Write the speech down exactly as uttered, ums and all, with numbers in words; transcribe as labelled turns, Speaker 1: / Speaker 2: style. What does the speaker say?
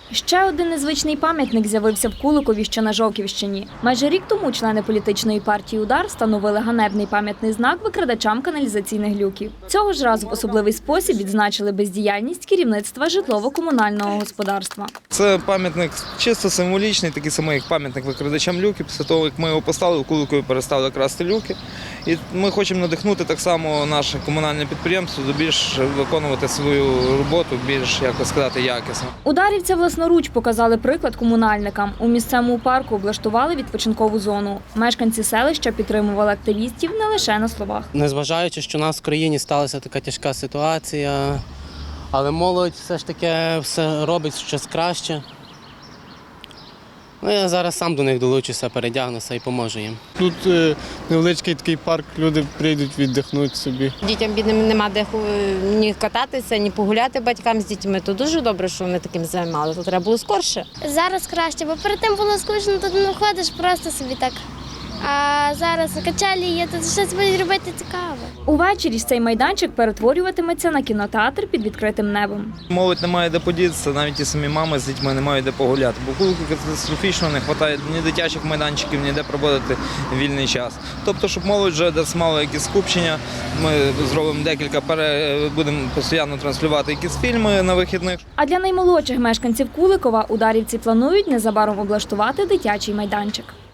Speaker 1: Ще один незвичний пам'ятник з'явився в Куликові, що на Жовківщині. Майже рік тому члени політичної партії «Удар» встановили ганебний пам'ятний знак викрадачам каналізаційних люків. Цього ж разу в особливий спосіб відзначили бездіяльність керівництва житлово-комунального господарства.
Speaker 2: Це пам'ятник чисто символічний, такий самий, як пам'ятник викрадачам люків. Після того, як ми його поставили, в Куликові перестали красти люки. І ми хочемо надихнути так само наше комунальне підприємство до більш виконувати свою роботу, більш, як сказати, якісно.
Speaker 1: Ударівці власноруч показали приклад комунальникам. У місцевому парку облаштували відпочинкову зону. Мешканці селища підтримували активістів не лише на словах.
Speaker 3: Незважаючи, що у нас в країні сталася така тяжка ситуація, але молодь все ж таки все робить щось краще. Ну, я зараз сам до них долучуся, передягнуся і поможу їм.
Speaker 4: Тут е, невеличкий такий парк, люди прийдуть віддихнути собі.
Speaker 5: Дітям бідним нема де ні кататися, ні погуляти батькам з дітьми. То дуже добре, що вони таким займалися. То треба було скорше.
Speaker 6: Зараз краще, бо перед тим було скучно, тут не ходиш просто собі так. А зараз качелі є, тут щось будуть робити цікаве.
Speaker 1: Увечері ж цей майданчик перетворюватиметься на кінотеатр під відкритим небом.
Speaker 2: Молодь не має де подітися, навіть ті самі мами з дітьми не мають де погуляти. Бо в Куликові катастрофічно не вистачає ні дитячих майданчиків, ні де проводити вільний час. Тобто, щоб молодь вже десь мала якісь скупчення, ми зробимо декілька, пере... будемо постійно транслювати якісь фільми на вихідних.
Speaker 1: А для наймолодших мешканців Куликова ударівці планують незабаром облаштувати дитячий майданчик.